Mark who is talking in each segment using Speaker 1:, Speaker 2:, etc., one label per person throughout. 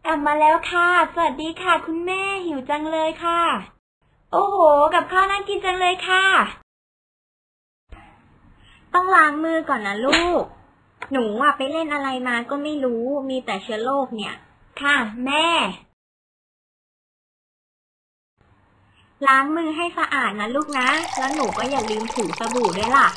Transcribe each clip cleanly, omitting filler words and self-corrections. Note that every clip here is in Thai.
Speaker 1: กลับมาแล้วค่ะสวัสดีค่ะคุณแม่หิวจังเลยค่ะโอ้โหกับข้าวน่ากินจังเลยค่ะ
Speaker 2: ต้องล้างมือก่อนนะลูก หนูไปเล่นอะไรมาก็ไม่รู้ มีแต่เชื้อโรคเนี่ย
Speaker 1: ค่ะแม่
Speaker 2: ล้างมือให้สะอาดนะลูกนะ แล้วหนูก็อย่าลืมถูสบู่ด้วยล่ะ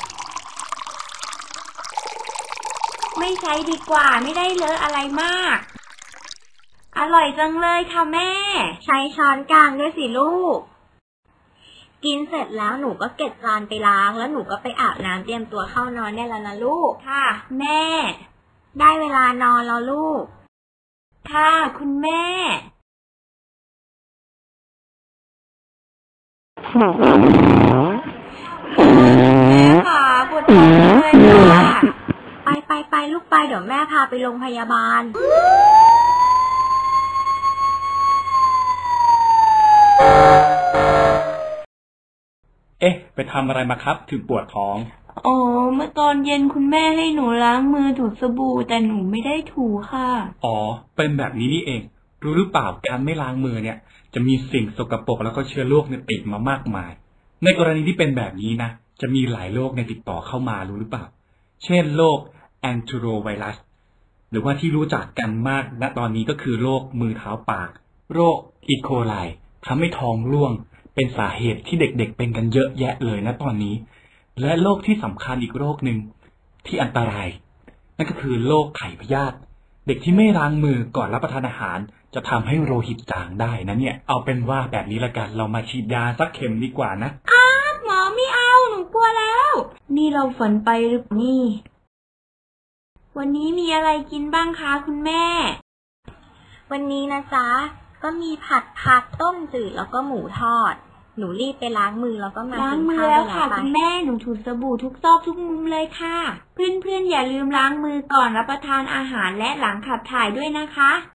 Speaker 1: ไม่ใช้ดีกว่าไม่ได้เลอะอะไรมากอร่อยจังเลยค่ะแม่
Speaker 2: ใช้ช้อนกลางด้วยสิลูก กินเสร็จแล้วหนูก็เก็บจานไปล้างแล้วหนูก็ไปอาบน้ำเตรียมตัวเข้านอนได้แล้วนะลูก
Speaker 1: ค่ะแม่
Speaker 2: ได้เวลานอนแล้วลูก
Speaker 1: ค่ะคุณแม่แม่ค่ะปวดท้องเลยค่ะ
Speaker 2: ไปลูกไปเดี๋ยวแม่พาไปโรงพยาบาล
Speaker 3: เอ๊ะไปทำอะไรมาครับถึงปวดท้อง
Speaker 1: อ๋อเมื่อตอนเย็นคุณแม่ให้หนูล้างมือถูสบู่แต่หนูไม่ได้ถูค่ะ
Speaker 3: อ๋อเป็นแบบนี้นี่เองรู้หรือเปล่าการไม่ล้างมือเนี่ยจะมีสิ่งสกปรกแล้วก็เชื้อโรคเนี่ยติดมามากมายในกรณีที่เป็นแบบนี้นะจะมีหลายโรคเนี่ยติดต่อเข้ามารู้หรือเปล่าเช่นโรคแอนโทรไวรัสหรือว่าที่รู้จักกันมากณตอนนี้ก็คือโรคมือเท้าปากโรคอีโคไลทำให้ท้องร่วงเป็นสาเหตุที่เด็กๆเป็นกันเยอะแยะเลยนะตอนนี้และโรคที่สำคัญอีกโรคหนึ่งที่อันตรายนั่นก็คือโรคไข้พยาธิเด็กที่ไม่ล้างมือก่อนรับประทานอาหารจะทำให้โลหิตจางได้นะเนี่ยเอาเป็นว่าแบบนี้ละกันเรามาฉีดยาสักเข็มดีกว่านะ
Speaker 1: หมอไม่เอาหนูกลัวแล้วนี่เราฝันไปหรือเปล่านี่วันนี้มีอะไรกินบ้างคะคุณแม่
Speaker 2: วันนี้นะจ๊ะก็มีผัดผักต้มจืดแล้วก็หมูทอดหนูรีบไปล้างมือแล้วก็มา
Speaker 1: ล้างมือแล้วค่ะคุณแม่หนูถูสบู่ทุกซอกทุกมุมเลยค่ะเพื่อนๆอย่าลืมล้างมือก่อนรับประทานอาหารและหลังขับถ่ายด้วยนะคะ